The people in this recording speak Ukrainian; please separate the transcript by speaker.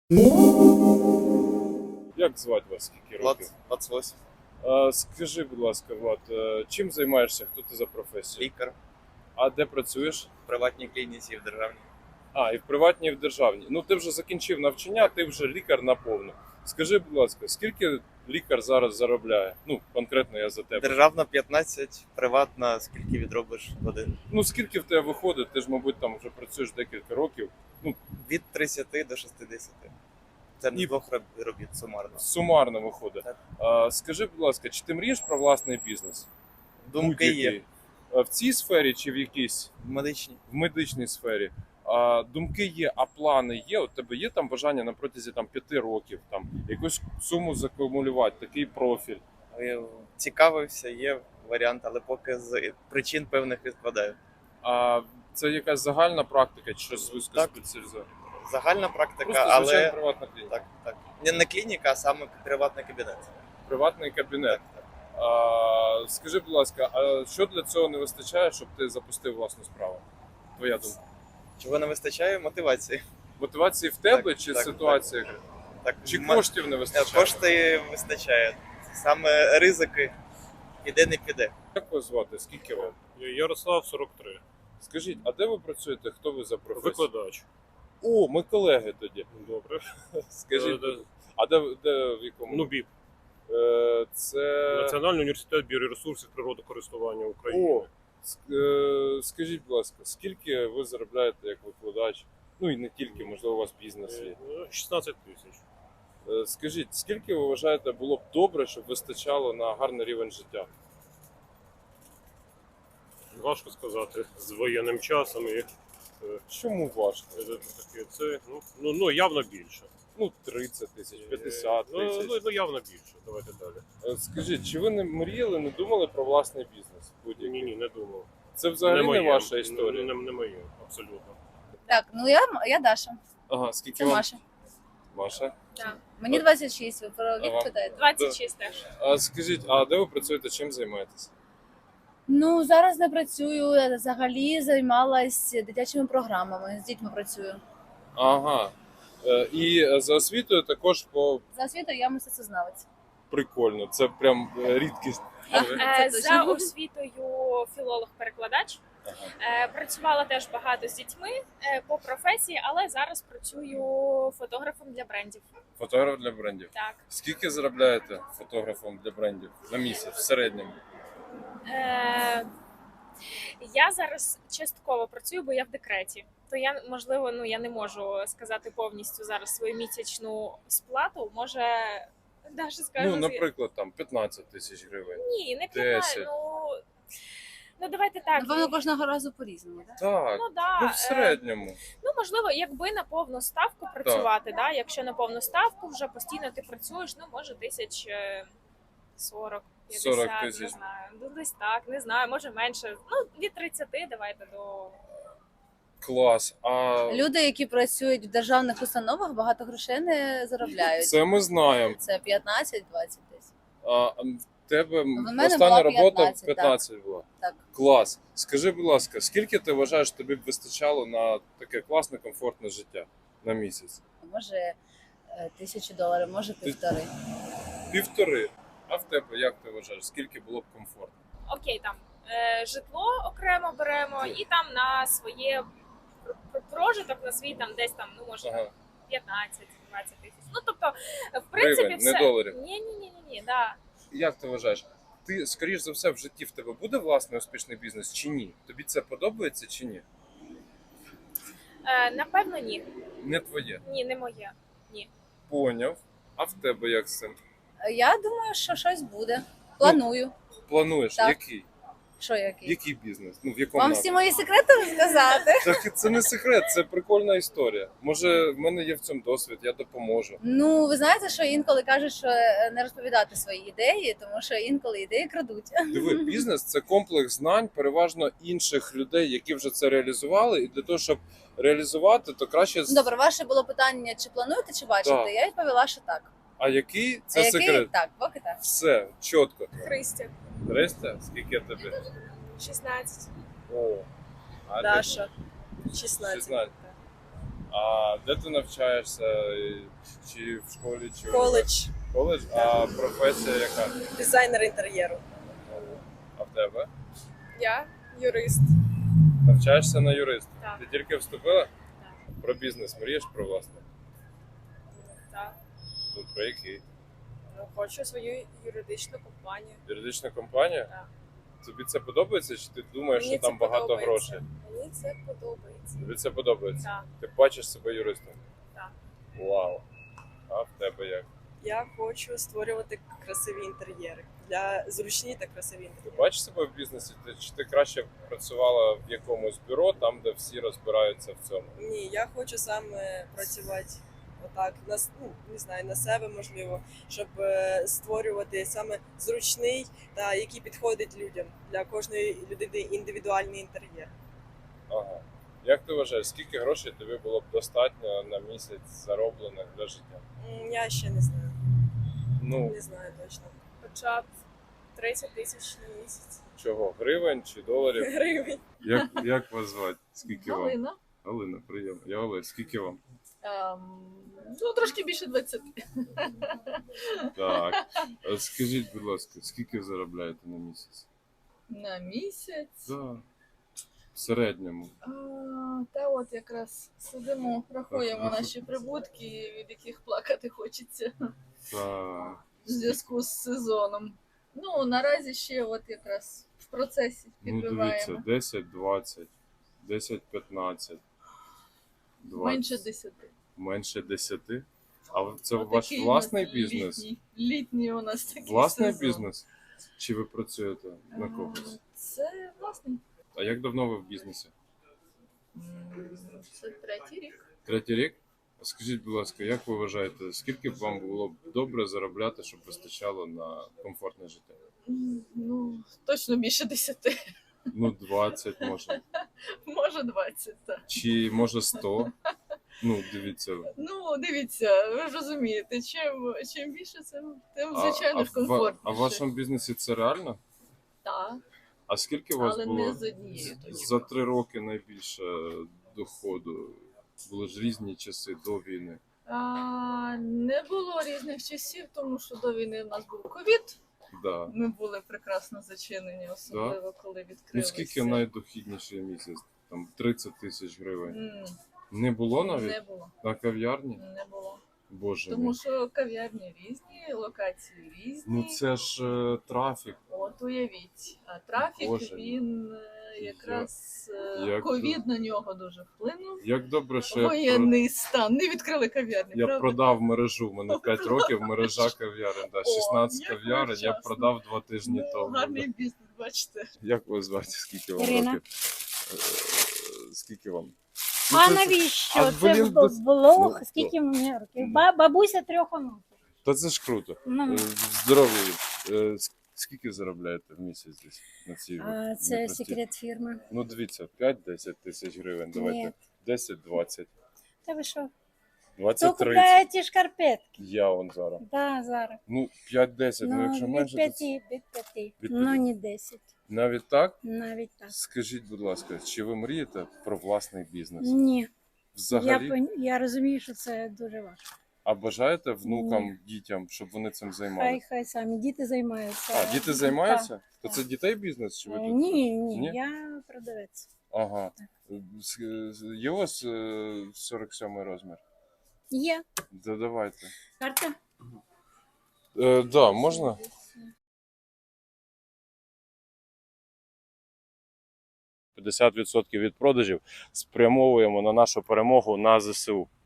Speaker 1: Як звати вас? Скільки років?
Speaker 2: 28.
Speaker 1: Скажи, будь ласка, Влад, чим займаєшся? Хто ти за професію?
Speaker 2: Лікар
Speaker 1: А де працюєш?
Speaker 2: в приватній клініці і в державній.
Speaker 1: І в приватній, і в державній. Ну, ти вже закінчив навчання, ти вже лікар наповну. Скажи, будь ласка, скільки лікар зараз заробляє? Ну, конкретно я за тебе.
Speaker 2: Державна 15, приватна, скільки відробиш в один.
Speaker 1: Ну, скільки в тебе виходить? Ти ж, мабуть, там вже працюєш декілька років.
Speaker 2: Від 30 до 60. Це
Speaker 1: І-
Speaker 2: не двох робіт сумарно.
Speaker 1: Сумарно виходить.
Speaker 2: Так.
Speaker 1: Скажи, будь ласка, чи ти мрієш про власний бізнес?
Speaker 2: Думки є.
Speaker 1: Будь-який. В цій сфері чи в якійсь?
Speaker 2: Медичні.
Speaker 1: В медичній сфері. Думки є, а плани є. У тебе є там бажання на протязі 5 років там якусь суму закумулювати, такий профіль.
Speaker 2: Цікавився, є варіант, але поки з причин певних відкладаю.
Speaker 1: А це якась загальна практика чи щось вузькоспеціалізоване?
Speaker 2: Загальна практика,
Speaker 1: Просто звичайна
Speaker 2: але
Speaker 1: приватна клініка.
Speaker 2: так. Не клініка, а саме приватний кабінет.
Speaker 1: Приватний кабінет.
Speaker 2: Так.
Speaker 1: Скажи, будь ласка, а що для цього не вистачає, щоб ти запустив власну справу? Твоя думка.
Speaker 2: Чого не вистачає? Мотивації.
Speaker 1: Мотивації в тебе
Speaker 2: Так,
Speaker 1: чи
Speaker 2: так,
Speaker 1: ситуація?
Speaker 2: Так,
Speaker 1: Чи коштів не вистачає?
Speaker 2: Кошти вистачає. Саме ризики піде не піде.
Speaker 1: Як вас звати? Скільки вам?
Speaker 3: Ярослав, 43.
Speaker 1: Скажіть, а де ви працюєте? Хто ви за професію?
Speaker 3: Викладач.
Speaker 1: О, ми колеги тоді.
Speaker 3: Добре.
Speaker 1: Скажіть,
Speaker 3: Е,
Speaker 1: а де в якому?
Speaker 3: НУБІП.
Speaker 1: Це...
Speaker 3: Національний університет біоресурсів природокористування України.
Speaker 1: О, скажіть, будь ласка, скільки ви заробляєте як викладач? Ну і не тільки, можливо, у вас бізнес є.
Speaker 3: 16 тисяч.
Speaker 1: Скажіть, скільки ви вважаєте було б добре, щоб вистачало на гарний рівень життя?
Speaker 3: Важко сказати з воєнним часом і
Speaker 1: Чому важко?
Speaker 3: таке це ну явно більше.
Speaker 1: Ну, 30 тисяч, 50 тисяч.
Speaker 3: Ну явно більше. Давайте далі.
Speaker 1: Скажіть, чи ви не мріяли, не думали про власний бізнес? Будь-який?
Speaker 3: Ні, не думав.
Speaker 1: Це взагалі не
Speaker 3: моє.
Speaker 1: ваша історія?
Speaker 3: Не моє, абсолютно.
Speaker 4: Так, ну я Даша.
Speaker 1: Ага, скільки
Speaker 4: Це
Speaker 1: вам?
Speaker 4: Маша.
Speaker 1: Маша?
Speaker 4: Так. Мені 26, ви про вік
Speaker 1: Ага.
Speaker 4: питаєте?
Speaker 5: 26 теж.
Speaker 1: Скажіть, а де ви працюєте, чим займаєтесь?
Speaker 4: Ну, зараз не працюю, я взагалі займалась дитячими програмами, з дітьми працюю.
Speaker 1: Ага. І за освітою також
Speaker 4: За освітою я мистецтвознавець.
Speaker 1: прикольно, це прям рідкість.
Speaker 4: Це точно.
Speaker 5: За освітою філолог-перекладач.
Speaker 1: Ага.
Speaker 5: Працювала теж багато з дітьми по професії, але зараз працюю фотографом для брендів.
Speaker 1: Фотограф для брендів.
Speaker 5: Так.
Speaker 1: Скільки заробляєте фотографом для брендів на місяць в середньому?
Speaker 5: Я зараз частково працюю, бо я в декреті. То я, можливо, я не можу сказати повністю зараз свою місячну сплату. Може, Даша скаже.
Speaker 1: Ну, наприклад, там 15 тисяч гривень.
Speaker 5: Ні, не
Speaker 1: 10.
Speaker 5: 15. Ну, давайте так.
Speaker 4: Напевно, кожного разу по-різному, так?
Speaker 1: Так,
Speaker 5: Ну, да.
Speaker 1: в середньому.
Speaker 5: Ну, можливо, якби на повну ставку працювати, да? Якщо на повну ставку вже постійно ти працюєш, може 40, 50,
Speaker 1: 40
Speaker 5: не
Speaker 1: тисяч.
Speaker 5: знаю. Ну, десь так, не знаю, може менше. Від 30 давайте до...
Speaker 1: Клас. А
Speaker 4: Люди, які працюють в державних установах, багато грошей не заробляють.
Speaker 1: це ми знаємо.
Speaker 4: Це 15-20 тисяч.
Speaker 1: В тебе
Speaker 4: мене
Speaker 1: остання
Speaker 4: була
Speaker 1: робота
Speaker 4: 15,
Speaker 1: 15 була.
Speaker 4: Так.
Speaker 1: Клас. Скажи, будь ласка, скільки ти вважаєш, тобі б вистачало на таке класне, комфортне життя на місяць?
Speaker 4: Може $1000, може півтори.
Speaker 1: 1,5. А в тебе як ти вважаєш, скільки було б комфортно?
Speaker 5: Окей, там житло окремо беремо і там на своє прожиток, на свій там десь там, може
Speaker 1: Ага.
Speaker 5: 15-20 тисяч. Ну, тобто, в принципі,
Speaker 1: Гривень,
Speaker 5: все...
Speaker 1: не доларів.
Speaker 5: Ні, да.
Speaker 1: Як ти вважаєш? Ти, скоріш за все, в житті в тебе буде власний успішний бізнес чи ні? Тобі це подобається чи ні?
Speaker 5: Напевно, ні.
Speaker 1: Не твоє.
Speaker 5: Ні, не моє.
Speaker 1: Поняв. А в тебе як з цим?
Speaker 4: Я думаю, що щось буде. Планую.
Speaker 1: Плануєш?
Speaker 4: Так.
Speaker 1: Який?
Speaker 4: Що який?
Speaker 1: Який бізнес? Ну, в якому
Speaker 4: Вам всі мої секрети розказати?
Speaker 1: Так і це не секрет, це прикольна історія. Може, в мене є в цьому досвід, я допоможу.
Speaker 4: Ну, ви знаєте, що інколи кажуть, що не розповідати свої ідеї, тому що інколи ідеї крадуть.
Speaker 1: Диви, бізнес це комплекс знань, переважно інших людей, які вже це реалізували. І для того, щоб реалізувати, то краще
Speaker 4: Добре, ваше було питання, чи плануєте, чи бачите?
Speaker 1: Так.
Speaker 4: Я відповіла, що так.
Speaker 1: А який це
Speaker 4: А який?
Speaker 1: секрет?
Speaker 4: Так, поки так.
Speaker 1: Все, чітко.
Speaker 5: Христя,
Speaker 1: Христя, скільки тобі?
Speaker 5: 16.
Speaker 1: О, а
Speaker 6: Даша,
Speaker 1: ти?
Speaker 6: 16.
Speaker 1: 16. А де ти навчаєшся? Чи в школі, чи
Speaker 6: Коледж,
Speaker 1: Коледж? А професія яка?
Speaker 6: дизайнер інтер'єру.
Speaker 1: А в тебе?
Speaker 5: Я юрист.
Speaker 1: Навчаєшся на юриста?
Speaker 5: Так.
Speaker 1: Ти тільки вступила?
Speaker 5: Так.
Speaker 1: Про бізнес мрієш про власне?
Speaker 5: Так.
Speaker 1: Ну, про який?
Speaker 5: Ну, хочу свою юридичну компанію.
Speaker 1: Юридична компанія?
Speaker 5: Так.
Speaker 1: Тобі це подобається, чи ти думаєш,
Speaker 5: Мені
Speaker 1: що там
Speaker 5: це
Speaker 1: багато
Speaker 5: подобається.
Speaker 1: грошей?
Speaker 5: Мені це подобається.
Speaker 1: Тобі це подобається?
Speaker 5: Так.
Speaker 1: Ти бачиш себе юристом?
Speaker 5: Так.
Speaker 1: Вау. А в тебе як?
Speaker 6: Я хочу створювати красиві інтер'єри для зручні та красиві
Speaker 1: Ти
Speaker 6: інтер'єри.
Speaker 1: бачиш себе в бізнесі? Чи ти краще б працювала в якомусь бюро, там, де всі розбираються в цьому?
Speaker 6: Ні, я хочу саме працювати отак, не знаю, на себе можливо, щоб створювати саме зручний та який підходить людям для кожної людини індивідуальний інтер'єр.
Speaker 1: Ага. Як ти вважаєш, скільки грошей тобі було б достатньо на місяць зароблених для життя?
Speaker 6: Я ще не знаю.
Speaker 1: Ну,
Speaker 6: Не знаю точно.
Speaker 5: Хоча б 30 тисяч на місяць.
Speaker 1: чого? Гривень чи доларів?
Speaker 6: Гривень.
Speaker 1: Як вас звати? Скільки вам?
Speaker 7: Галина.
Speaker 1: Галина, приємно. Я Олег, скільки вам?
Speaker 7: Ну, трошки більше 20.
Speaker 1: Так. Скажіть, будь ласка, скільки заробляєте на місяць?
Speaker 7: На місяць.
Speaker 1: Да. В середньому.
Speaker 7: Та от якраз сидимо, рахуємо наші прибутки, від яких плакати хочеться
Speaker 1: Так.
Speaker 7: в зв'язку з сезоном. Ну, наразі ще от якраз в процесі
Speaker 1: Ну,
Speaker 7: підбиваємо.
Speaker 1: дивіться, 10, 20, 10, 15, 20.
Speaker 7: Менше 10.
Speaker 1: Менше 10. А це
Speaker 7: Отакий
Speaker 1: ваш
Speaker 7: у нас
Speaker 1: власний бізнес?
Speaker 7: Літній у нас такий
Speaker 1: Власний
Speaker 7: сезон.
Speaker 1: бізнес? Чи ви працюєте на когось?
Speaker 7: Це власний.
Speaker 1: А як давно ви в бізнесі?
Speaker 7: Це третій рік.
Speaker 1: Третій рік? А скажіть, будь ласка, як ви вважаєте, скільки б вам було б добре заробляти, щоб вистачало на комфортне життя?
Speaker 7: Ну, точно більше 10.
Speaker 1: Ну, 20 може.
Speaker 7: Може 20, так.
Speaker 1: Чи може 100? Ну, дивіться.
Speaker 7: Ну, дивіться, ви ж розумієте, чим більше, тим звичайно ж комфортніше.
Speaker 1: А в вашому бізнесі це реально?
Speaker 7: Так,
Speaker 1: А скільки у вас
Speaker 7: але
Speaker 1: було
Speaker 7: не з однією точки.
Speaker 1: за 3 роки найбільше доходу? Були ж різні часи до війни.
Speaker 7: Не було різних часів, тому що до війни в нас був ковід.
Speaker 1: Да.
Speaker 7: Ми були прекрасно зачинені, особливо коли
Speaker 1: Ну
Speaker 7: відкрилися.
Speaker 1: скільки найдохідніший місяць? Там 30 тисяч гривень.
Speaker 7: М,
Speaker 1: Не було навіть?
Speaker 7: Не було.
Speaker 1: На кав'ярні?
Speaker 7: Не було.
Speaker 1: Боже
Speaker 7: Тому
Speaker 1: мій.
Speaker 7: що кав'ярні різні, локації різні.
Speaker 1: Ну це ж трафік.
Speaker 7: От уявіть. А трафік,
Speaker 1: Боже мій.
Speaker 7: він якраз
Speaker 1: як
Speaker 7: ковід на нього дуже вплинув.
Speaker 1: Як добре, що я,
Speaker 7: Воєнний стан. Не відкрили кав'ярні,
Speaker 1: я
Speaker 7: правда?
Speaker 1: продав мережу. У мене 5 років мережа кав'ярень. Да, 16
Speaker 7: як
Speaker 1: кав'ярень я
Speaker 7: вчасно.
Speaker 1: продав 2 тижні
Speaker 7: Ну,
Speaker 1: тому.
Speaker 7: гарний бізнес, бачите.
Speaker 1: Як вас звати? Скільки вам
Speaker 8: Ірина.
Speaker 1: років? Скільки вам? Ну,
Speaker 8: А
Speaker 1: це-
Speaker 8: навіщо?
Speaker 1: а,
Speaker 8: Це
Speaker 1: блін,
Speaker 8: в блог,
Speaker 1: ну,
Speaker 8: скільки
Speaker 1: то.
Speaker 8: мені років?
Speaker 1: Ну.
Speaker 8: Бабуся 3 онуків.
Speaker 1: Та це ж круто.
Speaker 8: Ну,
Speaker 1: Здоров'я. Скільки заробляєте в місяць десь на цій
Speaker 8: а це
Speaker 1: непростій?
Speaker 8: секрет фірми.
Speaker 1: Ну, дивіться, 5-10 тисяч гривень, давайте.
Speaker 8: Ні.
Speaker 1: 10-20.
Speaker 8: Та ви що? Хто
Speaker 1: 20-30.
Speaker 8: купляє ті шкарпетки?
Speaker 1: Я он зараз.
Speaker 8: Да, зараз.
Speaker 1: Ну, 5-10, ну, якщо
Speaker 8: від
Speaker 1: менше,
Speaker 8: 5,
Speaker 1: то
Speaker 8: від 5.
Speaker 1: Від
Speaker 8: Ну,
Speaker 1: 5.
Speaker 8: не 10.
Speaker 1: навіть так?
Speaker 8: Навіть так.
Speaker 1: Скажіть, будь ласка, чи ви мрієте про власний бізнес?
Speaker 8: Ні.
Speaker 1: Взагалі?
Speaker 8: Я розумію, що це дуже важко.
Speaker 1: А бажаєте внукам, дітям, щоб вони цим займалися?
Speaker 8: Хай самі діти займаються.
Speaker 1: А, діти займаються?
Speaker 8: Так,
Speaker 1: То
Speaker 8: так.
Speaker 1: це дітей бізнес? Чи ви тут?
Speaker 8: Ні,
Speaker 1: Ні?
Speaker 8: я продавець.
Speaker 1: Ага. Є у вас 47 розмір?
Speaker 8: Є.
Speaker 1: Да, давайте.
Speaker 8: Карта?
Speaker 1: Да, можна? – 50% від продажів спрямовуємо на нашу перемогу на ЗСУ.